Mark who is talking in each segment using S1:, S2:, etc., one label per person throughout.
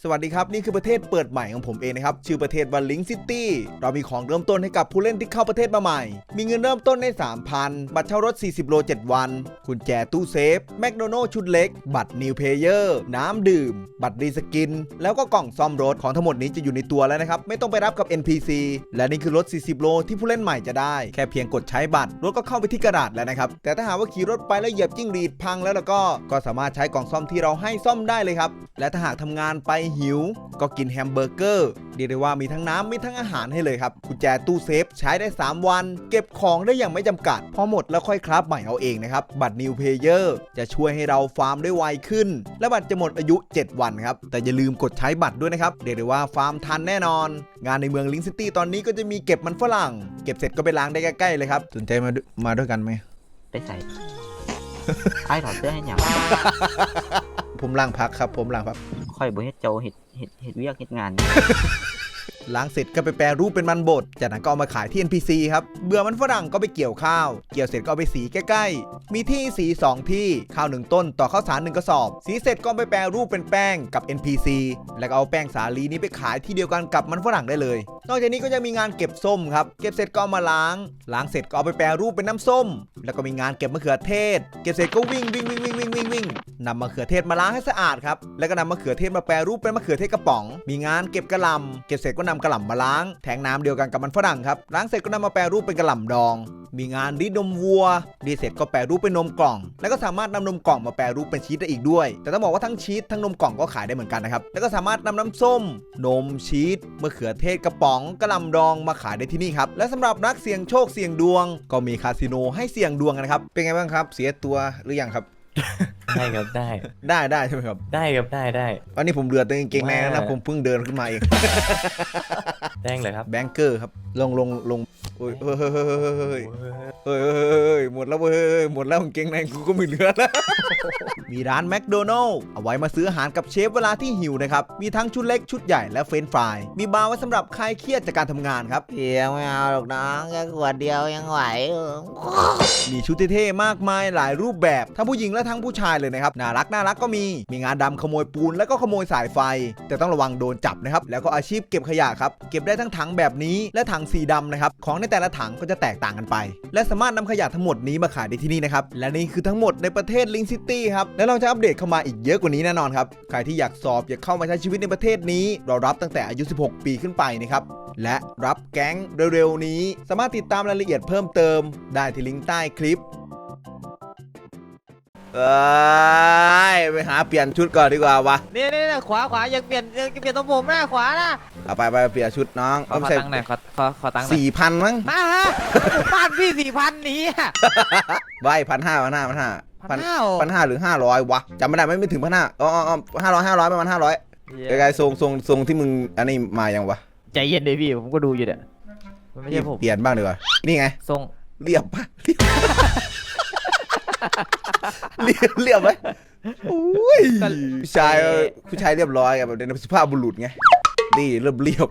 S1: สวัสดีครับนี่คือประเทศเปิดใหม่ของผมเองนะครับชื่อประเทศว่าลิงซิตี้เรามีของเริ่มต้นให้กับผู้เล่นที่เข้าประเทศมาใหม่มีเงินเริ่มต้นใน 3,000 บัตรเช่ารถ40โล7วันกุญแจตู้เซฟแมคโดนัลด์ชุดเล็กบัตรนิวเพลเยอร์น้ำดื่มบัตรรีสกินแล้วก็กล่องซ่อมรถของทั้งหมดนี้จะอยู่ในตัวแล้วนะครับไม่ต้องไปรับกับ NPC และนี่คือรถ40โลที่ผู้เล่นใหม่จะได้แค่เพียงกดใช้บัตรรถก็เข้าไปที่กระดาษแล้วนะครับแต่ถ้าหากว่าขี่รถไปแล้วเหยียบจิ้งหรีดพังแล้วก็สามารถใช้กล่องซ่อมที่เราให้ซ่อมได้เลยครับและถ้าหากทำงานไปหิวก็กินแฮมเบอร์เกอร์เรียกได้ว่ามีทั้งน้ำมีทั้งอาหารให้เลยครับกุญแจตู้เซฟใช้ได้3วันเก็บของได้อย่างไม่จำกัดพอหมดแล้วค่อยคราฟใหม่เอาเองนะครับบัตรนิวเพลเยอร์จะช่วยให้เราฟาร์มได้ไวขึ้นและบัตรจะหมดอายุ7วันครับแต่อย่าลืมกดใช้บัตรด้วยนะครับเรียกได้ว่าฟาร์มทันแน่นอนงานในเมืองลิงซิตี้ตอนนี้ก็จะมีเก็บมันฝรั่งเก็บเสร็จก็ไปล้างได้ใกล้ๆเลยครับสนใจมาด้วยกันไหม
S2: ไปใส่ ไอ้ถอดเสื้อให้หยัง
S1: ผมล้างพักครับผมล้างพัก
S2: ค่อยบ่เฮ็ดโจเฮ็ดเวียกเฮ็ดงาน
S1: ล้างเสร็จก็ไปแปรรูปเป็นมันบดจากนั้นก็เอามาขายที่ NPC ครับเบื่อมันฝรั่งก็ไปเกี่ยวข้าวเกี่ยวเสร็จก็เอาไปสีใกล้ๆมีที่สี2ที่ข้าว1ต้นต่อข้าวสาร1กระสอบสีเสร็จก็ไปแปรรูปเป็นแป้งกับ NPC แล้วก็เอาแป้งสาลีนี้ไปขายที่เดียวกันกับมันฝรั่งได้เลยนอกจากนี้ก็จะมีงานเก็บส้มครับเก็บเสร็จก็เอามาล้างเสร็จก็เอาไปแปรรูปเป็นน้ำส้มแล้วก็มีงานเก็บมะเขือเทศเก็บเสร็จก็วิ่งนำมะเขือเทศมาล้างให้สะอาดครับแล้วก็นำมะเขือเทศมาแปรรูปเป็นมะเขือเทศกระป๋องมีงานเก็บกระหล่ำเก็บเสร็จก็นำกระหล่ำมาล้างแทงน้ำเดียวกันกับมันฝรั่งครับล้างเสร็จก็นำมาแปรรูปเป็นกระหล่ำดองมีงานรีดนมวัวรีดเสร็จก็แปรรูปเป็นนมกล่องแล้วก็สามารถนำนมกล่องมาแปรรูปเป็นชีสได้อีกด้วยแต่ต้องบอกว่าทั้งชีสทั้งนมกล่องก็ขายได้เหมือนกันนะครับแล้วก็สามารถนำน้ำส้มนมชีสมะเขือเทศกระป๋องกระหล่ำดองมาขายได้ที่นี่ครับและสำหรับนักเสี่ยงโชคเสี่ยงดวงก็มีคาสิโนให้เสี่ยงดวงกันครับเป็นไงบ้างครับเสียตัวหรือยังครับ
S3: ได้ครับ
S1: ได้ใช่ไหมครับ
S3: ได้ครับได้
S1: วันนี้ผมเดือดตัวเก่งแม่นะผมเพิ่งเดินขึ้นมาเอง
S3: แดงเลยครับ
S1: แบงเกอร์ครับลงโอ้ยหมดแล้วเว้ยหมดแล้วเก่งในกูก็ไม่เหลือแล้วมีร้านแมคโดนัลล์เอาไว้มาซื้ออาหารกับเชฟเวลาที่หิวนะครับมีทั้งชุดเล็กชุดใหญ่และเฟรนช์ฟรายมีบาร์ไว้สำหรับคลายเครียดจากการทำงานครับ
S2: เดี๋ยวไม่เอาหรอกน้องแค่ขวดเดียวยังไหว
S1: มีชุดเท่ๆมากมายหลายรูปแบบทั้งผู้หญิงและทั้งผู้ชายเลยนะครับน่ารักก็มีงานดำขโมยปูนแล้วก็ขโมยสายไฟแต่ต้องระวังโดนจับนะครับแล้วก็อาชีพเก็บขยะครับเก็บได้ทั้งถังแบบนี้และถังสีดำนะครับของในแต่ละถังก็จะแตกต่างกันไปและสามารถนำขยะทั้งหมดนี้มาขายได้ที่นี่นะครับและนี่คือทั้งหมดในประเทศลิงซิตี้ครับและเราจะอัปเดตเข้ามาอีกเยอะกว่านี้แน่นอนครับใครที่อยากสอบอยากเข้ามาใช้ชีวิตในประเทศนี้เรารับตั้งแต่อายุ16ปีขึ้นไปนะครับและรับแก๊งเร็วๆนี้สามารถติดตามรายละเอียดเพิ่มเติมได้ที่ลิงก์ใต้คลิปไปหาเปลี่ยนชุดก่อนดีกว่าวะ
S4: นี่ขวายังเปลี่ยนตรงผมหน้าขวานะ
S1: เอาไปเปลี่ยนชุดน้อง
S3: ขอตังค์หน่อยขอตังค์
S1: 4,000มั้ง
S4: มาฮะบ้านพี่4,000นี้
S1: ใบ1,500หรือ500วะจำไม่ได้ไม่ถึง1,500500ประมาณ500ไกลๆทรงที่มึงอันนี้มายังวะ
S4: ใจเย็นเลยพี่ผมก็ดูอยู่เนี่ยไม่ใช่ผม
S1: เปลี่ยนบ้างดีกว่านี่ไง
S4: ทรง
S1: เรียบปะเรียบไหมอุ้ยผู้ชายเรียบร้อยแบบในสุภาพบุรุษไงนี่เรียบ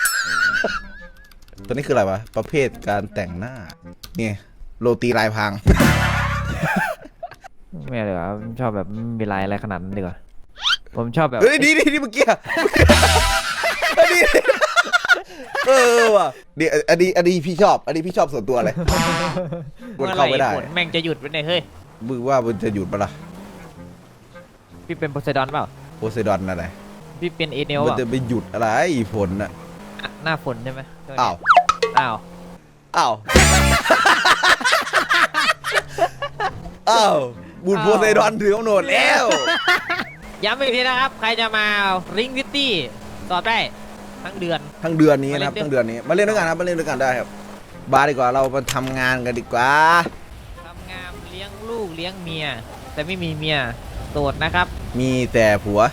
S1: ตัวนี้คืออะไรวะประเภทการแต่งหน้านี่โรตีลายพราง
S4: ไม่เลยครับชอบแบบมีลายอะไรขนาดนั้นดีกว่าผมชอบแบบ
S1: เฮ้ยดีเมื่อกี้ดีว่ะดีอันนี้พี่ชอบส่วนตัวเลยกดเข้าไม่ได้
S4: ฝนแม่งจะหยุดไปไหนเฮ้ย
S1: มือว่ามันจะหยุดปะล่ะ
S4: พี่เป็นโพไซดอนเปล่า
S1: โพไซดอนอะไร
S4: พี่เป็นเอเนล
S1: มันจะไปหยุดอะไรฝนน่ะ
S4: หน้าฝนใช่ไหม
S1: อ้าวบุญโพไซดอนถือกำหนดแล้ว
S4: ย้ำอีกทีนะครับใครจะมาริงซิตี้สอบได้ทั้งเดือน
S1: นี้นะครับทั้งเดือนนี้มาเล่นด้วยกันครับมาเล่นด้วยกันได้ครับบาร์ดีกว่าเรามาทำงานกันดีกว่า
S4: ทำงานเลี้ยงลูกเลี้ยงเมียแต่ไม่มีเมียโสดนะครับ
S1: มีแต่ผัว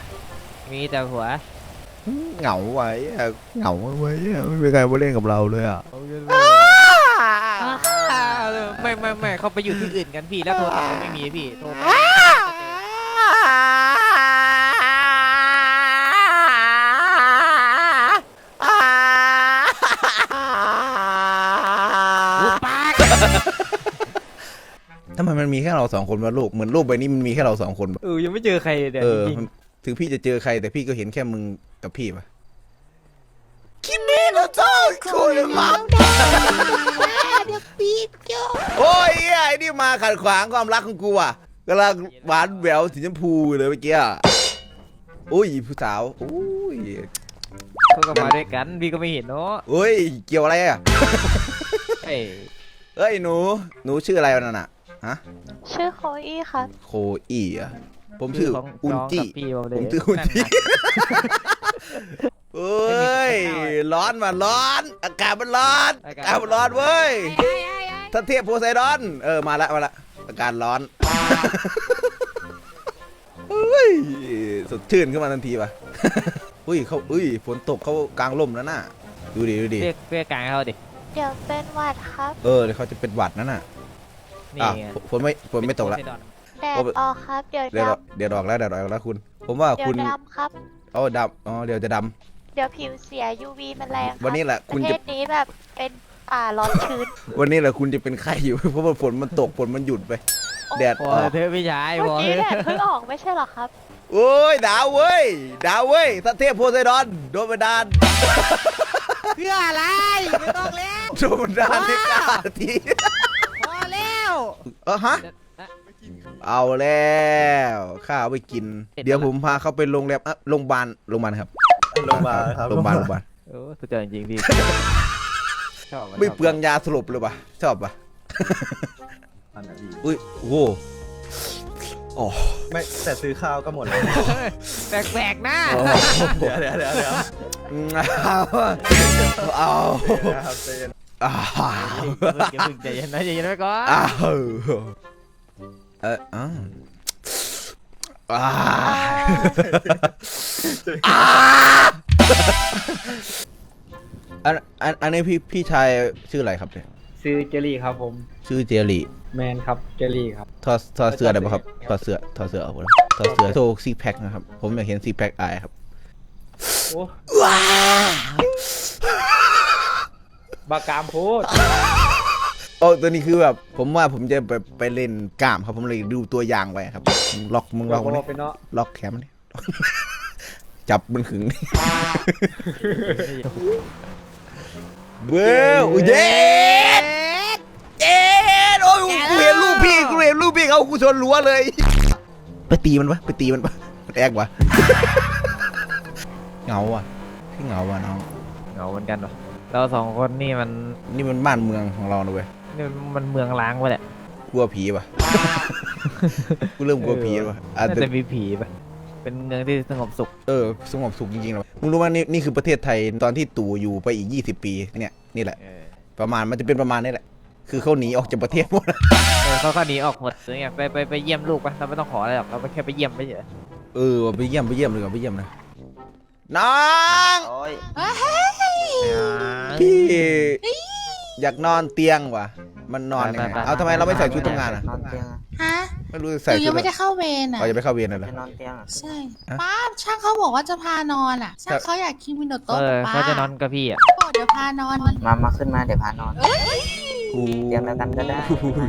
S1: เหงาไว้ไม่มีใครมาเล่นกับเราเลยอ่ะ
S4: ไม่เขาไปอยู่ที่อื่นกันพี่แล้วโทรศัพท์ไม่มีพี่โทร
S1: ทำไมมันมีแค่เรา2 คนวะโลกเหมือนโลกใบนี้มันมีแค่เรา2 คน
S4: ยังไม่เจอใครเลยจริง
S1: ถึงพี่จะเจอใครแต่พี่ก็เห็นแค่มึงกับพี่ปะคิมิโนโตะคุยมาโอ้ยไอ้นี่มาขัดขวางความรักของกูอ่ะกำลังหวานแหววสีชมพูเลยเมื่อกี้อุ้ยผู้สาวอุ้ย
S4: เขาก็มาด้วยกันพี่ก็ไม่เห็นเนาะ
S1: เฮ้ยเกี่ยวอะไรอ่ะ
S4: เอ้ย
S1: เอ้ยหนูชื่ออะไรวะนั่นน่ะฮะ
S5: ชื่อโคอี้ครับ
S1: โคอี้อ่ะผมชื่อ
S4: ของ
S1: อุน
S4: น้อง
S1: จิ
S4: กับพี่ผมเลย
S1: ผมชื่ออุนจิเอ้ยร้อนมาร้อนอากาศมันร้อนอากาศมันร้อนเว้ยท่านเทพโพไซดอนมาละอากาศร้อนเฮ้ยสดชื่นขึ้นมาทันทีป่ะอุ้ยฝนตกเขากลางร่มแล้วน่ะดูดิ
S4: เรียกกลางให้เขาดิ
S5: เดี๋ยวเป็นหวัดครับ
S1: เดี๋ยวเขาจะเป็นหวัดนั่นน่ะ
S4: นี่
S1: อ่ะ
S4: ไง
S1: ฝนไม่ตกละ
S5: แดดออกครับ เดี๋ยว
S1: เดี๋ยว
S5: ด
S1: เดี๋ยวดอกแล้วคุณ ผมว่า
S5: ำเดี๋ย
S1: คุ
S5: ว
S1: ณ
S5: ดำครับ
S1: ดำเดี๋ยวจะด
S5: เดี๋ยวผิวเสีย UV มันแรงครับ
S1: วันนี้แหละ
S5: ป
S1: คุณ
S5: ระเท
S1: จะ
S5: ศนี้แบบเป็นป่าร้อนชื้น
S1: ำวันนี้แหละคุณจะเป็นไข้อยู่ เพราะว่าฝนมันตกฝนมันหยุดไป แดด
S4: พ
S1: อ
S4: อ
S1: อก
S4: เธอพี่ชาย
S5: เมื่
S4: พ
S5: อ
S4: อ
S5: กี้
S4: เธอ
S5: แดดเพิ่งออกไม่ใช่เหรอครับ
S1: โอ้ยดาวเว้ยท่านเทพโพไซดอนโดนบันดาล
S4: เพื่ออะไรไม่ต้องแล้ว
S1: โดนบันดาลให้กล้าที
S4: พอแล้ว
S1: ฮะเอาแล้วข้าวไปกิน เดี๋ยวผมพาเขาไปโรงแรมโรงพยาบาลครับ
S3: โรงพยาบาลครับ
S1: โรงพยาบาล
S4: โอ้สุดยอดจริงๆพี่ชอบ
S1: ไม่เปลืองยาสลบเลยป่ะชอบป่ะอุ้ยโอ้โหอ๋อ
S3: ไม่แต่ซื้อข้าวก็หมดแล้ว
S4: แปลกๆนะ
S3: เดี๋ยว
S1: เอา
S3: ครับเจน
S1: อ้าว
S4: อย่าเพิ่งใจเย็นนะใจเย็นไว้ก่อน
S1: อ้าวอ้าวอันนี้พี่ชายชื่ออะไรครับเนี่ย
S6: ซื้อเจลลี่ครับผม
S1: ชื่อเจลี่
S6: แมนครับเจลลี่ครับ
S1: ถอดเสื้อได้ป่ะครับถอดเสื้อออกมาถอดเสื้อโชว์ซิกแพคนะครับผมอยากเห็นซิกแพคอายครับ
S6: โอ้บากามพูด
S1: โอ้ตัวนี้คือแบบผมว่าผมจะไปเล่นกล้ามครับผมเลยดูตัวอย่างไว้ครับมึงล็อกมัน
S6: บอก
S1: นี่
S6: ไปเนาะ
S1: ล็อกแขนมันนี่ จับมันขึงนี่เบ้ออุ้ยเย็ดโอ้ยกูเห็นรูปพี่เขากูชนรั้วเลยไปตีมันปะมันแอกวะเหงาอ่ะพี่เหงาว่ะน้อง
S4: เหงาเหมือนกันวะเราสองคนนี่มัน
S1: นี่มันบ้านเมืองของเรานะเว้ย
S4: นี่มันเมืองล้างไปแหละ
S1: กลัวผีป่ะ กูเริ่มกลัวผีแล้วป่ะ
S4: น่าจะมีผีปะเป็นเมืองที่สงบสุข
S1: สงบสุขจริงๆเลยมึงรู้ว่านี่คือประเทศไทยตอนที่ตู่อยู่ไปอีก20 ปีเนี่ยนี่แหละประมาณมันจะเป็นประมาณนี้แหละคือเขาหนีออกจากประเทศหมด
S4: เขาหนีออกหมดเลยไงไปเยี่ยมลูกปะเราไม่ต้องขออะไรหรอกเราแค่ไปเยี่ยมไปเฉย
S1: ไปเยี่ยมเลยก่อนไปเยี่ยมนะน้อง
S2: โอ้ย
S1: พี่อยากนอนเตียงว่ะมันนอนยังไงเอาทำไมเราไม่ใส่ชุดทำงานอ่ะ
S2: นอนเตียงอะ
S7: ฮะ
S1: ไม่รู้จะ
S7: ห
S1: ใส่
S7: นู
S1: ชุ
S7: ยั
S1: ด
S7: งไม่ได้เข้าเวรอ่ะ
S1: จะไปเข้าเวียนเลยเหรอ
S2: จะนอนเตียงอะ
S7: ใช่
S1: ฮะ
S7: ป้าช่างเขาบอกว่าจะพานอนอ่ะ ช่างเขาอยากคิมิโนโตะป้า
S4: เขาจะนอนกับพี่อ่ะ
S7: บอกเดี๋ยวพานอน
S2: มาขึ้นมาเดี๋ยวพานอน เตียงเดียวกันก็ได้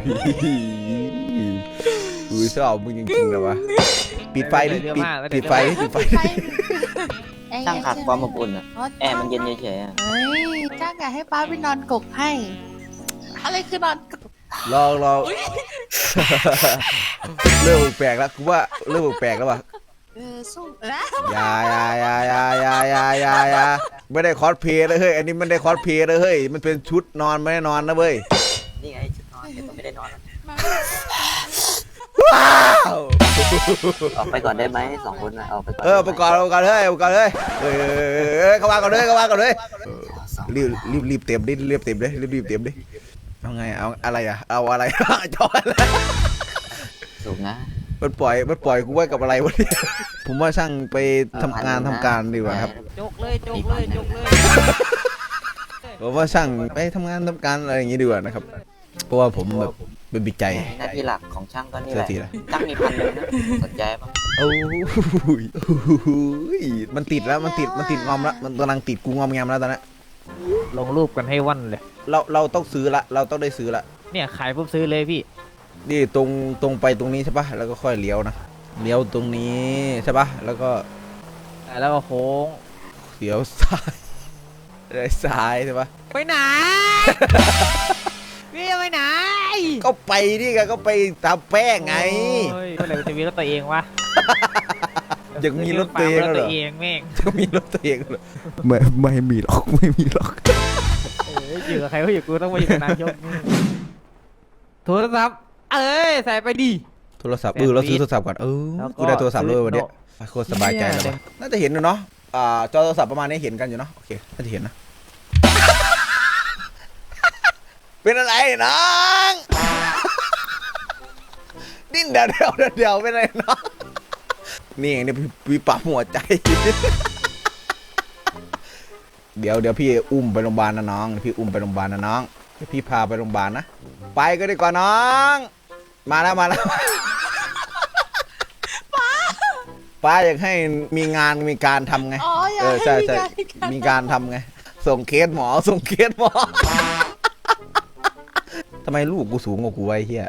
S1: กูชอบมึงจริงๆเลยวะปิดไฟดิปิดไฟ
S7: ไป
S2: ช่างขาดความอบอุ่นอะแอร์มันเย็นเฉยๆอะ
S7: เฮ้ยช่างอยากให้ป้าไปนอนกกให้ อะไรคือนอนกก
S1: ลองเริ่มแปลกแล้วกูว่าเริ่มแปลกแล้วว่ะ
S7: สู้นะ
S1: อย่าไม่ได้คอสเพลย์เลยเฮ้ยอันนี้มันได้คอสเพลย์เลยเฮ้ยมันเป็นชุดนอนไม่ได้นอนนะเว้ย
S2: นี่ไงชุดนอนเดี๋ยวก็ไม่ได้นอนอะ
S1: ว้าว
S2: ออกไปก่อนได้ไหมสองคนอะออกไปก่อน
S1: ประกอบเฮ้ยเข้ามาก่อนเลยรีบเต็มดิรีบเต็มดิเอาไงเอาอะไรอ่ะเอาอะไร จอยแล้ว
S2: สูงนะ
S1: มันปล่อยกูไว้กับอะไรวะเนี่ยผมว่าช่างไปทำงานทำการดีกว่าครับ
S4: จกเลย
S1: ผมว่าช่างไปทำงานทำการอะไรอย่างงี้ดีกว่านะครับเพราะว่าผมแบบเป็นบิดใจ
S2: หน้าที่หลักของช่างก็นี่แหละ
S1: เสื้อสีอะไร
S2: ช่างมีพันเลยนะสนใจปะ
S1: โอ้ยมันติดแล้วมันติดงอมแล้วมันกำลังติดกูงอมแงมแล้วตอนนี้
S4: ลงรูปกันให้วันเลย
S1: เราต้องซื้อละเราต้องได้ซื้อละ
S4: เนี่ยขายปุ๊บซื้อเลยพี่
S1: นี่ตรงไปตรงนี้ใช่ปะแล้วก็ค่อยเลี้ยวนะเลี้ยวตรงนี้ใช่ปะแล้วก็
S4: แล้วก็โค้ง
S1: เลี้ยวซ้ายได้ซ้ายใช่ปะ
S4: ไปไหน พี่จะไปไหน
S1: ก็ไปนี่ไงก็ไปทำแป้งไง
S4: โอ้ยเมื่อไหร่จะมีรถตัวเองวะ
S1: ยังมีรถตัวเอง
S4: รถ
S1: เหร
S4: ตั
S1: อ
S4: วเองแม่ง
S1: จะมีรถตัวเองเหรอไม่มีหรอกไม่มีหรอก
S4: อยู่กับใครก็อยู่กูต้องมาอยู่กับนายกโทรศัพท์เอ้ยใส่ไปดิ
S1: โทรศัพท์เราซื้อโทรศัพท์ก่อน
S4: แล้วก็
S1: กูได้โทรศัพท์เลยวันเนี้ย
S4: ซื้อ
S1: โคตรสบายใจเลยว่ะน่าจะเห็นอยู่เนาะจอโทรศัพท์ประมาณนี้เห็นกันอยู่เนาะโอเคน่าจะเห็นนะ เป็นอะไรน้องดิ้นเดี๋ยวเป็นอะไรน้องนี่เองเนี่ยพี่ปั๊มหัวใจ เดี๋ยวพี่อุ้มไปโรงพยาบาลนะน้องพี่อุ้มไปโรงพยาบาลนะน้องพี่พาไปโรงพยาบาลนะไปก็ดีกว่าน้องมาแล้วป้าอยากให้มีงานมีการทำไง
S7: อ๋ออยาก
S1: ใช่
S7: ให้มีการ
S1: มีการทำไงส่งเคสหมอทำไมลูกกูสูงกว่ากูไอ้เหี้ย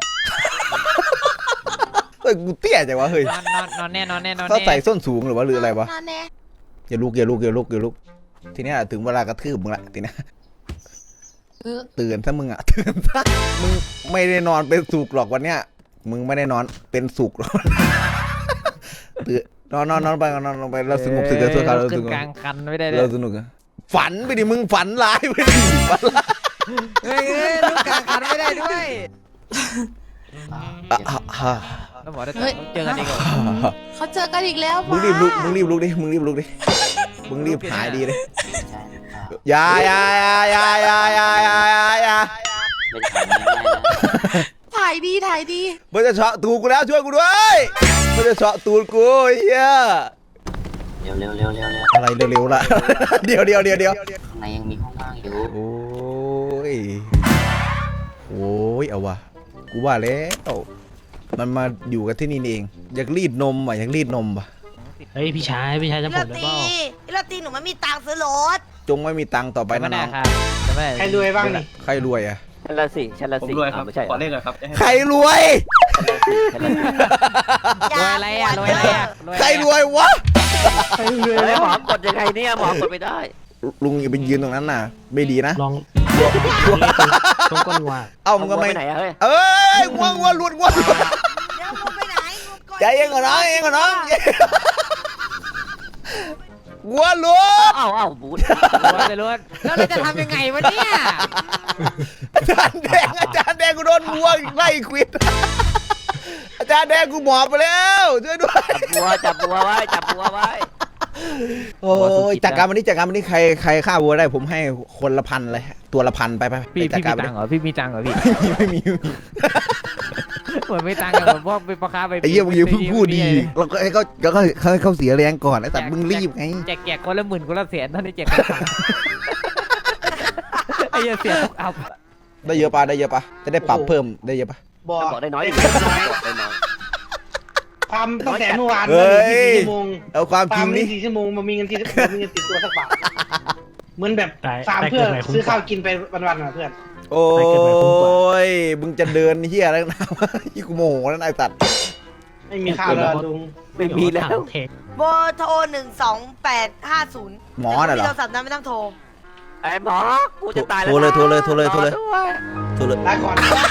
S1: เฮ้ยกูเตี้ยจังวะเฮ้ย
S4: นอนแน่นอนแน่
S1: เขาใส่ส้นสูงหรือว่าหรืออะไรวะ
S7: นอนแน่
S1: อย่าลุกทีเนี้ยถึงเวลากระทืบมึงละทีเนี้ยตื่นซะมึงอ่ะตื่นซะมึงไม่ได้นอนเป็นสุกหรอกวันเนี้ยมึงไม่ได้นอนเป็นสุกหรอกตื่นนอนไปนอนไปเราสงบสึกกันทั่วกันเรา
S4: ขึ้
S1: ส
S4: น
S1: งบ
S4: กลางคันไม่ได้เลย
S1: เราสนุกอะฝันไปดิมึงฝันร้ายไปดิฝันร้าย
S4: เฮ้ยลูกกลางคันไม่ได้ด้วย แล้วหมอได้เจอกันอีกเหรอ
S7: เขาเจอกันอีกแล้ว
S1: มึงรีบลุกมึงรีบลุกดิมึงรีบหายดีเลยอย่า
S7: ถ่ายดี
S1: มันจะเฉาะตูดกูแล้วช่วยกูด้วยมันจะเฉาะตูดกูไอ้เหี้ย
S2: เร็ว
S1: อะไรเร็วๆล่ะ เดี๋ยว
S2: ข้างในยังมีห้องว่างอยู่
S1: โอ้ยเอาวะกูว่าแล้วมันมาอยู่กันที่นี่เองอยากรีดนมว่ะ
S4: เฮ้ยพี่ชายจำผมได้เปล่า
S8: พี่ลาตีหนูไม่มีตังค์ซื้อรถ
S1: จงไม่มีตังค์ต่อไปนะน้อง
S4: ครับจะไม่ได้
S6: ใครรวยบ้างนี่
S1: ใครรวยอ่ะ
S2: ฉันละสิ
S3: ผมรวยครับ
S2: ไม่ใช่
S3: ขอเลขหน่อยครับ
S1: ใครรวย
S2: ฉันละสิ
S4: รวยอะไรอ่ะ
S1: ใครรวยวะ
S2: เฮ้ยหมอกดยังไงเนี่ยหมอกดไม่ได้
S1: ลุงอย่าไปยืนตรงนั้นน่ะไม่ดีนะ
S9: ลองตรงก้นวัว
S1: เอ้ามึงก็ไม่
S2: ไปไหนอะเฮ้ย
S1: เอ้ยง่วงหลุด
S8: เดี๋ยวมึงไปไหนมึงก่อน
S1: ใจเย็นก่อนน้องงัวหลุด
S2: อ้าวบูด
S4: รวยแล้วเราจะทำยังไงวะเนี่ย
S1: อาจารย์แดงกูโดนงัวไล่ควิดอาจารย์แดงกูหมอบไปแล้วช่วยด้วย
S2: จับบัวไว้
S1: โอ้ยจากการวันนี้ใครฆ่าวัวได้ผมให้คนละ1,000เลยตัวละ1,000ไป
S4: พี่
S1: จัด
S4: มี
S1: การ
S4: ตังค์เหรอพี่มีตังค์เหรอพี่
S1: ไม่มี
S4: เหมือนไม่ตังค์เหมือนพวกเป็นพ่อค้าไป
S1: ไอ้เหี้ยมึงอย่าเพิ่งพูดดีเราก็ให้เขาเสียแรงก่อนไอ้สัตว์มึงรีบไง
S4: แจกคนละ10,000คนละ100,000ตอนนี้แจกคนละ1,000ไอ้เหี้ยเสียทุกอัพ
S1: ได้เยอะปะจะได้ปรับเพิ่มได้เยอะปะ
S2: บอกได้น้อยได้น้อย
S6: ความตั้งแต่เมื่อวาน
S1: เฮ้
S6: มา
S1: ย
S6: 24ชั่วโมง
S1: เอาความจริง
S6: นี่
S1: นี่
S6: 4ชั่วโมงมันมีเงินติดตัวสักบาทเหมือนแบบ
S9: ตาย
S6: ฟาร์ม
S9: ตาย
S6: เพื่อ
S9: เกิดใหม่คุ้ม
S6: ซื้อก
S9: ว่า
S6: ข้าวกินไปวันๆนะเพื่อน
S1: โอ้
S9: ไปเก็บไว้คุ้มกว่า
S1: ยมึงจะเดินเฮียอะไรนะยี่กูโมโหแล้วไอ้สัตว์
S6: ไม่มีข้าวแล้วลุง
S2: ไม่มีแล้ว
S9: เทค
S8: โบโทร12850
S1: หมอน่ะเหรอ
S8: โทรศัพท์นั้นไม่ต้องโทร
S2: ไอ้หมอกูจะตายแล้ว
S1: โทรเลย
S6: ลาก่อน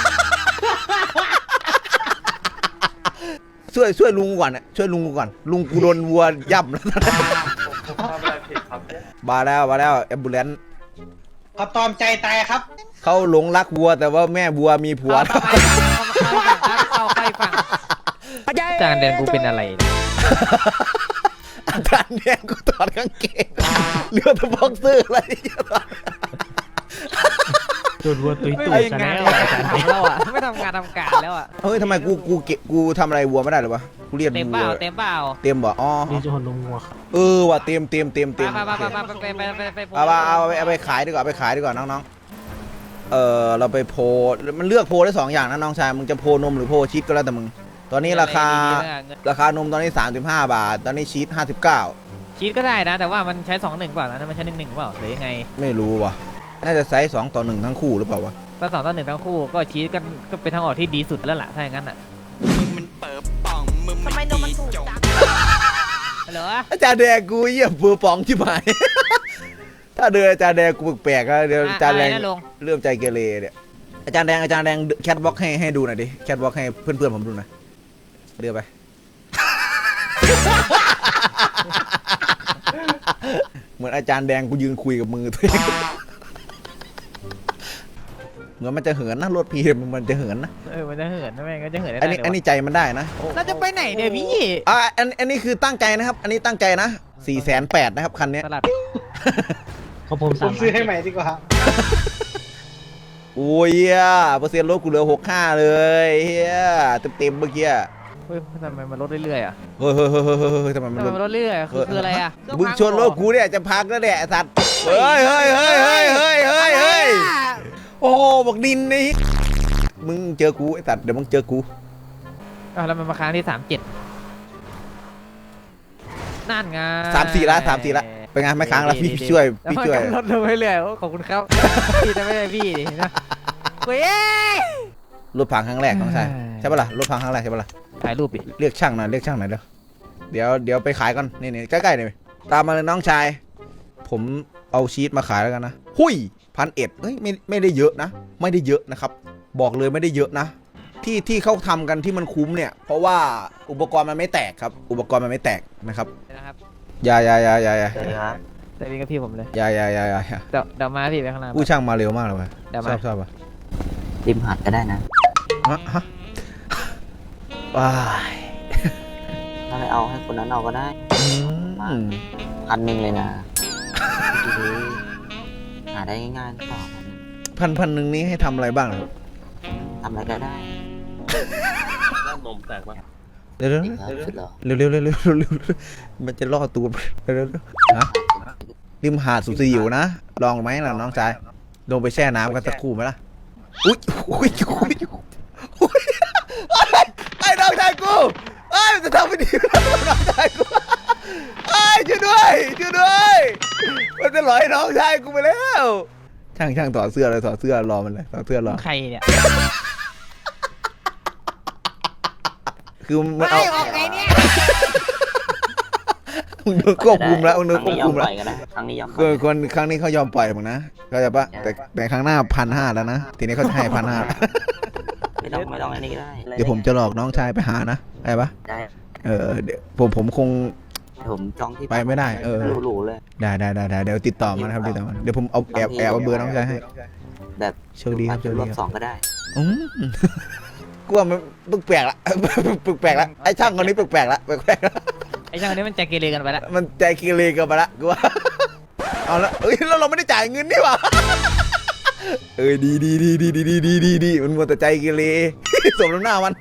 S1: ช่วยลุงก่อนน่ะช่วยลุงกูก่อนลุงกูโดนวัวย่ำแล้วมาแล้วแอมบูเลนซ์
S6: เขาตอมใจตายครับ
S1: เขาหลงรักวัวแต่ว่าแม่วัวมีผัว
S4: เข้าใกล้ฝั่งจางแดนกูเป็นอะไร
S1: อาจารย์แดงกูถอดกางเกงเหลือแต่บ็อกเซอร์อะไรอย่างเงี้ย
S9: โดนวัวตุย
S4: ไม่
S9: ตุย
S4: ทำ
S9: ซะ
S4: งาน
S9: แล้ว
S4: ทำแล้วอ่ะไม่ทำงานทำการแล้วอ่ะ
S1: เฮ้ยทำไมกูทำอะไรวัวไม่ได้หรอวะกูเรียน
S4: เต็ม
S1: วั
S4: เปล่าว เต็มเปล่า
S1: เต็มบ่อ๋อ
S9: นี่จะหนลงวัวครับ
S1: ว่ะเต็มเอาไปขายดีกว่าน้องๆเราไปโพมันเลือกโพได้2อย่างนะน้องชายมึงจะโพนมหรือโพชีสก็แล้วแต่มึงตอนนี้ราคานมตอนนี้35 บาทตอนนี้ชีส59
S4: ชีสก็ได้นะ แต่ว่ามันใช้2-1เปล่านะมันใช้1-1เปล่าหรือยังไง
S1: ไม่รู้ว่ะน่าจะไซส์2-1ทั้งคู่หรือเปล่าวะ
S4: ถ้า2-1ทั้งคู่ก็ชีสก็เป็นทางออกที่ดีสุดแล้วล่ะถ้าอย่างนั้นอ่ะ
S8: ทำไมนมมันถูกจัง
S4: เหรอ
S1: อาจารย์แดงกูเยี่ยมเบือป๋องที่หมาย ถ้าเดินอาจารย์แดงกูแปลกๆนะเดี๋ยวอาจารย์แดง
S4: อะไรนะลุง
S1: เริ่มใจเกเรเนี่ยอาจารย์แดงแคทบล็อกให้ดูหน่อยดิแคทบล็อกให้เพื่อนๆผมดูหน่อยเดือไป เหมือนอาจารย์แดงกูยืนคุยกับมือตัวเอง เหมือนมันจะเหินนะรถพีมันจะเหินนะ
S4: มันจะเหินนะแม่งก็จะเหินได้
S1: อันนี้
S4: เลยวะ
S1: อันนี้ใจมันได้นะ
S4: เราจะไปไหนเนี่ยพี่
S1: อันนี้คือตั้งใจนะครับ อันนี้ตั้งใจนะ480,000นะครับคันนี้
S4: สลัด
S9: เขาผม
S6: ผ
S9: สาม
S6: มซื้อให้ใหม่ดีกว่า
S1: โอ้ยเหี้ยเปอร์เซ็นต์ลดกูเหลือ65เลยเฮียเต็มเมื่อกี้
S4: เฮ้ยทำไมมันลดเรื่อยๆอ่ะ
S1: เฮ้ยทำไมมัน
S4: ทำไม
S1: ลด
S4: มันลดเรื่อยๆอะคืออะไรอ่ะ
S1: มึงชนรถกูเนี่ยจะพังแล้วแหละไอ้สัตว์เฮ้ยโอ้โหบอกดินนี่มึงเจอกูไอ้สัตว์เดี๋ยวมึงเจอกู
S4: อ้าวแล้วมันมาค้างที่37นั่นไง
S1: 3-4ละเป็นไงไม่ค้างแล้วพี่ช่วย
S4: แล้วมันก็ลดลงเรื่อยๆโอ้ขอบคุณครับ พี่จะไม่ใช่พี่ดินะเว้ย
S1: รถพังครั้งแรกน้องชายใช่ปะล่ะรถพังครั้งแรกใช่ปะล่ะ
S4: ถ่ายรูปดิ
S1: เรียกช่างหน่อยเดี๋ยวไปขายก่อนนี่ใกล้ๆเลยตามมาเลยน้องชายผมเอาชีสมาขายแล้วกันนะหุย1,100เฮ้ยไม่ได้เยอะนะไม่ได้เยอะนะครับบอกเลยไม่ได้เยอะนะที่เขาทำกันที่มันคุ้มเนี่ยเพราะว่าอุปกรณ์มันไม่แตกครับอุปกรณ์มันไม่แตกนะครับ
S4: นะครับ
S1: อย่า
S2: เจอครับ
S4: แต่วิ่งกับพี่ผมเลย
S1: อย่า
S4: เดี๋ยวมาพี่ไปข้างหน้า
S1: ผู้ช่างมาเร็วมากเลยว่ะ
S4: เดี๋ยว
S1: ช
S4: มา
S1: อบป่ะ
S2: ริมหาดก็ได้นะ
S1: ฮะว้าย
S2: ถ้าไม่เอาให้คนนั้นเอาก็ได้
S1: อืม
S2: 1,000เลยนะหาได้ง่ายๆหรือเปล่า
S1: พันหนึ่งนี้ให้ทำอะไรบ้างครับ
S2: ทำอะไรก็ได้
S3: นมแตกปะ
S1: เดี๋ยว
S2: จริงครับสุดหรอ
S1: เร็วมันจะล่อตูดเร็วฮะริมหาดสุดสยิวนะลองไหมล่ะน้องชายลงไปแช่น้ำกันสักครู่ไหมล่ะอุ้ยไอ้น้องชายกูไอ้มันจะทำไม่ดีน้องชายกูไอ้ช่วยด้วยมันจะหลอยน้องชายกูไปแล้วช่างถอดเสื้อเลยถอดเสื้อรอมันเลยถอดเสื้อรอ
S4: ใครเนี่ย
S1: คือมันเอา
S8: ไม่ออกไงเนี่ย
S1: มึงโดนควบคุมแล้ว
S2: ค
S1: มึงโดน
S2: รั้ง
S1: ควบ
S2: นี้ยอ
S1: คุ
S2: ม
S1: ม
S2: ป
S1: แล้ว
S2: ล่อยก็ได้ครั้งนี้ยอมปล่
S1: คือ
S2: อย
S1: คนครั้งนี้เขายอมปล่อยมึงนะเข้าใจปะแต่ครั้งหน้า1,500แล้วนะทีนี้เขาจะให้1,500
S2: ไม่ต้องอันนี้ก็ได้
S1: เดี๋ยวผมจะหลอกน้องชายไปหานะได้ปะ
S2: ได้
S1: เดี๋ยวผมคง
S2: ผมจองที่
S1: ไปไม่ได้
S2: หรูๆเลย
S1: ได้เดี๋ยวติดต่อมานะครับติดต่อมาเดี๋ยวผมเอาแอบเอาเบอร์น้องชายให้
S2: แบบ
S1: โชคดีครับโชค
S2: ร
S1: ดี
S2: อบ
S1: ครับ
S2: สองก็ได้
S1: อืมกลัวมันแปลกละ แปลกละไอ้ช่างคนนี้แปลกละ
S4: ไอ้ช่างคนนี้มันใจเกเรกันไปแล้ว
S1: มันใจเกเรเกันไปละกูว่าเอาละเอ้ยแล้วเราไม่ได้จ่ายเงินนี่หว่าดีมันมัวแต่ใจเกเร สมน้ำหน้ามัน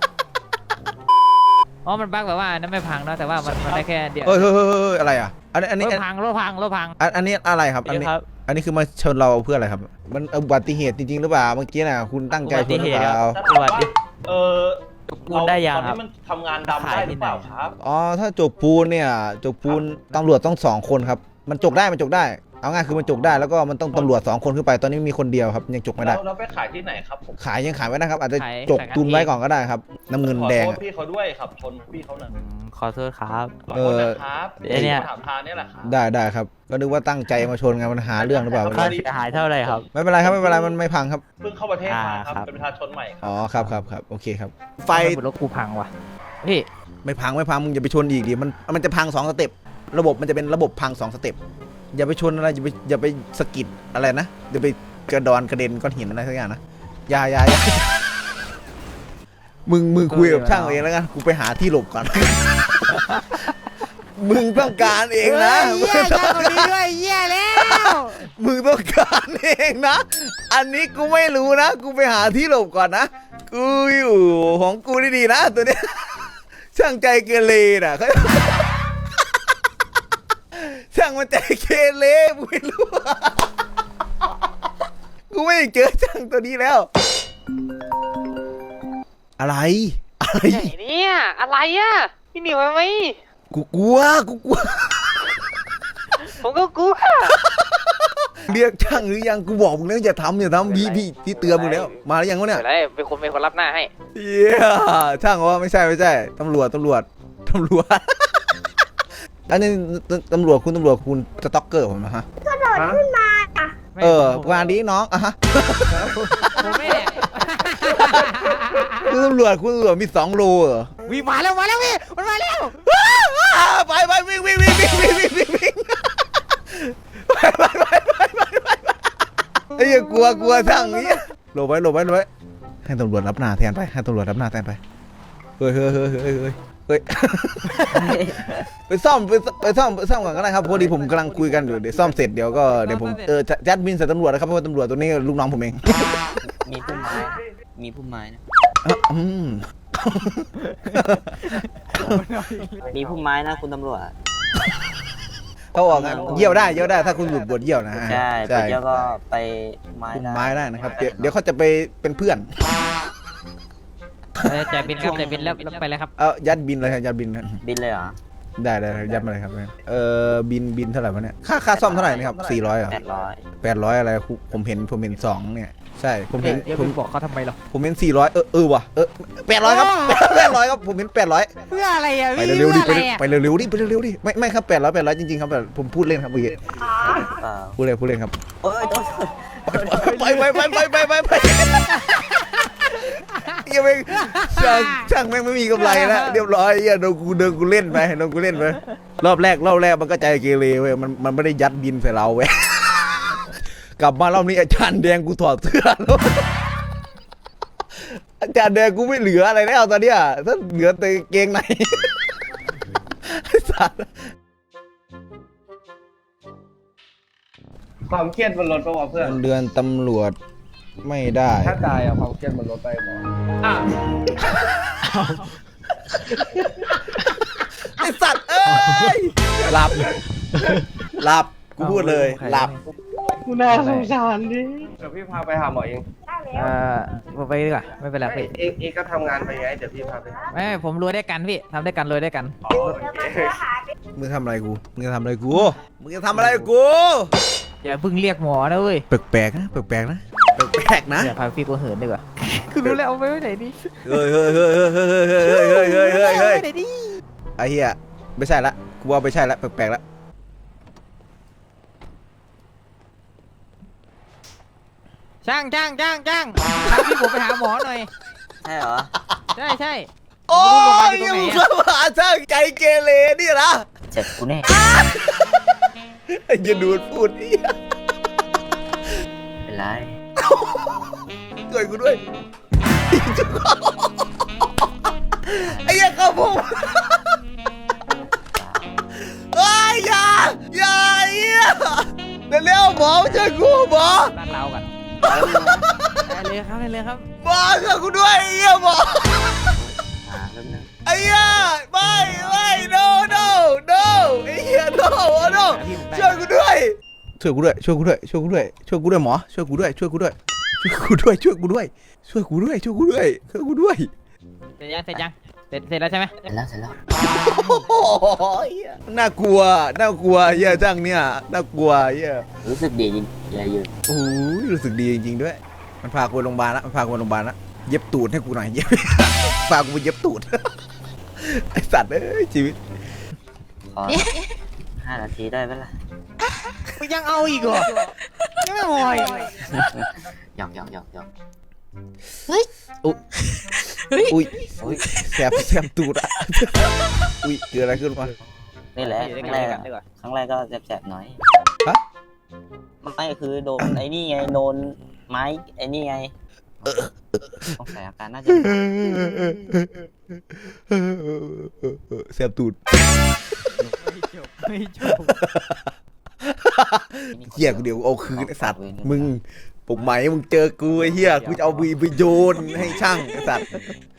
S4: อ๋อมันบั๊กแบบว่านั่นไม่พังเนาะแต่ว่ามันได้แค่เดียว
S1: เฮ้ยอะไรอ่ะอันนี้
S4: รถพัง
S1: อันนี้อะไรครับอันนี้คือมาชนเราเพื่ออะไรครับ มันอุบัติเหตุจริงๆหรือเปล่าเมื่อกี้น่ะคุณตั้งใจชนหรือเปล่า
S4: สวัสดี
S6: ปูนได้ยังครับมันทำงานดำได้หรือเปล่าครับ
S1: อ๋อถ้าจกปูนเนี่ยจกปูนตำรวจต้อง2 คนครับมันจกได้เอาง่ายคือมันจกได้แล้วก็มันต้องตำรวจ2 คนขึ้นไปตอนนี้มีคนเดียวครับยังจกไม่ได้
S6: แล้วไปขายที่ไหนครับผม
S1: ขายยังขายไม่ได้ครับอาจจะจกตุนไว้ก่อนก็ได้ครับน้ำเงินแดง
S6: ขอโทษพี่เขาด้วยครับชนพี่เขาหน่อย
S9: ขอโทษครับ
S6: ขอโทษนะครับ
S9: ไอ้เนี่ย
S6: ถามทางนี่แหละครับ
S1: ได้ครับก็นึกว่าตั้งใจมาชนไงมันหาเรื่องหรือเปล่า
S9: ค่าเสียหายเท่าไหร่ครับ
S1: ไม่เป็นไรครับมันไม่พังครับ
S6: เพิ่งเข้าประเทศมาครับ
S9: ครับ
S6: เป็นประชาชนใหม่ครับ
S1: อ๋อครับโอเคครับไฟ
S4: รถกูพังว่ะพี่
S1: ไม่พังมึงอย่าไปชนอีกดิมันจะพัง2 สเต็ประบบมันจะเป็นระบบพัง2 สเต็ปอย่าไปชนอะไรอย่าไปสะกิดอะไรนะอย่าไปกระเด็นก้อนหินอะไรสักอย่างนะอย่ามึงคุยกับช่างเองแล้วกันกูไปหาที่หลบก่อน มึงต้องการเองนะ
S4: เหี้ยช่างคนนี้ด้วยเหี้ยแล้ว
S1: มึงต้องการเองนะ อันนี้กูไม่รู้นะ กูไปหาที่หลบก่อนนะ กูอยู่ของกูดีๆนะตัวเนี้ย ช่างใจเกเรน่ะเขา ช่างมันใจเกเรกูไม่รู้ กูไม่เจอช่างตัวนี้แล้ว อะไร
S8: ไหนเนี่ยอะไรอ่ะพี่หนิวไหม
S1: กูกลัว
S8: ผมก็กลัว
S1: เรียกช่างหรือยัง กูบอกมึงแล้วอย่าทำพี่เตือนมึงแล้ว มาหรือยังวะเนี่ย
S8: อะไรเป็นคนรับหน้าให้
S1: เย้ช่างว่าไม่ใช่ตำรวจโทตำรวจ อันนี้ตำรวจคุณสต็อกเกอร์ผมนะฮะ
S4: ไม่
S1: วานนี้น้องอะฮะ
S4: ผมไม่ได้
S1: คุณตำรวจมี2 โลเหรอ
S4: วิ่งมาแล้วพี่มันมาแล้ว
S1: ไปวิ่งไปไอ้เหี้ยกลัวทั้งนี้หลบไว้ให้ตำรวจรับหน้าแทนไปเฮ้ยไปซ่อมก่อนก็ได้ครับพอดีผมกำลังคุยกันอยู่เดี๋ยวซ่อมเสร็จเดี๋ยวผมจัดบินใส่ตำรวจนะครับเพราะว่าตำรวจตัวนี้ลูกน้องผมเอง
S2: มีพุ่มไม้ มีพุ่มไม้นะ
S1: อืม
S2: มีพุ่มไม้นะคุณตำรวจ
S1: เขาบอกงั้นเยี่ยวได้ถ้าคุณหลุดบทเยี่ยวนะฮะ
S2: ใช่ไปเที่ยวก็ไปไม้
S1: คุม
S2: ได้
S1: ไม้ได้นะครับเดี๋ยวเขาจะไปเป็นเพื่อน
S4: จ่ายบินครับจ่ายบินแล้วไปเลยครับ
S1: ยัดบินเลยครับยัดบินนะ
S2: บินเลยเหรอ
S1: ได้ยัดมาเลยครับบินเท่าไหร่วะเนี่ยค่าซ่อมเท่าไหร่นะครับ400เหรอ
S2: 800
S1: อะไรผมเห็น2เนี่ยใช่ผมเห็น
S4: เดี๋ยว
S1: ผ
S4: มึ
S1: ม
S4: งบอกเขาทำไมหรอ
S1: ผมเห็น400ว่ะ800ครับ800ครับผมเห็น800
S4: เพื่ออะไรอ่ะ
S1: ไปเร็วๆดิไปเร็วๆดิไม่ครับ800จริงๆครับแบบผมพูดเล่นครับเมื่อกี้
S2: เปล่า
S1: พูดเล่นครับ
S2: โอ้ยโทษ
S1: ไปยังไม่ช่างแม่งไม่มีกำไรแล้วเรียบร้อยโดนกูเล่นไปรอบแรกมันก็ใจเกเรเว้ยมันไม่ได้ยัดบินใส่เราเว้ยกลับมารอบนี้อาจารย์แดงกูถอดเสื้อแล้วอาจารย์แดงกูไม่เหลืออะไรแล้วตอนเนี้ยถ้าเหลือแต่เกงในสัตว์
S6: ความเครียดมันลดป่าวะเพื่อน
S1: เดือนตำรวจไม่ได้
S6: ถ้าตายอะความเครียดมันลดไปหมอ
S1: ไอสัตว์เอ้ยหลับกูพูดเลยหลับ
S6: กูน่าสงสารดิเดี๋ยวพี่พาไปหาหมอเอง
S4: ไปดีกว่าไม่เป็นไรพี่
S6: เองก็ทำงานไปไงเดี๋ยวพี่พาไปหา
S4: ไม่ผมรวยด้วยกันพี่ทำด้วยกันรวยด้วยกัน
S1: มึงทำอะไรกูมึงจะทำอะไรกู
S4: อย่าเพิ่งเรียกหมอนะเว้ย
S1: แปลกๆนะแปลกๆนะ
S4: เดี๋ยวพาพี่กูเหินดีกว่าคือรู้แล้วเอาไปไว้ไหนดี
S1: เฮ้ยไอ้เหี้ยไม่ใช่ละกูว่าไม่ใช่ละแปลกๆละ
S4: ช่างพาพี่ผมไปหาหมอหน่อย
S2: ใช่เหรอ
S4: ใช่
S1: โอ้ยมึงเข้ามาช่างใจเกเรนี่นะ
S2: เจ็บกูแน่
S1: ไอ้จะดูดพูดเหี้ย
S2: เป็นไร
S1: ช่วยกูด้วยไอ้เหี้ยเข้าผมเฮ้ยอย่าเหี้ยเร็วหมอช่วยกูหมอ
S4: บ้านเรากันได้เลยครับ
S1: หมอช่วยกูด้วยไอ้เหี้ยหมอ
S2: เริ่มนะ
S1: ไอ้เหี้ยไม่ no ไอ้เหี้ย no ช่วยกูด้วยหมอช่วยกูด้วยเสร็จแล้วใช่ไหม
S2: เสร็จแล้ว
S1: โอ้ยน่ากลัวเหี้ยจังเนี่ยน่ากลัวเหี้ย
S2: รู้สึกดีจริงอย่ายืน
S1: โอ้ยรู้สึกดีจริงๆด้วยมันพากูไปโรงพยาบาลละเย็บตูดให้กูหน่อยพากูไปเย็บตูดไอสัตว์เอ้ยชีวิต
S2: ขอ5 นาทีได้ไหมล่ะ
S4: มึงยังเอาอีกเหรอยังไม่พออีก
S2: หยอก
S1: อุ้ยแสบตูดอ่ะอุ้ยเกิดอะไรขึ้นวะ
S2: นี่แหละครั้งแรกก็แสบๆหน่อย
S1: ฮะ
S2: ไม่คือโดนไอ้นี่ไงโดนไม้ไอ้นี่ไงสงสัยอาการน่าจะ
S1: แสบตูด
S4: ไม่จบ
S1: เหี้ยกูเดี๋ยวเอาคืนไอสัตว์มึงปลุกไหมมึงเจอกูไอ้เหี้ยกูจะเอาวีไปโยนให้ช่างไอสัตว์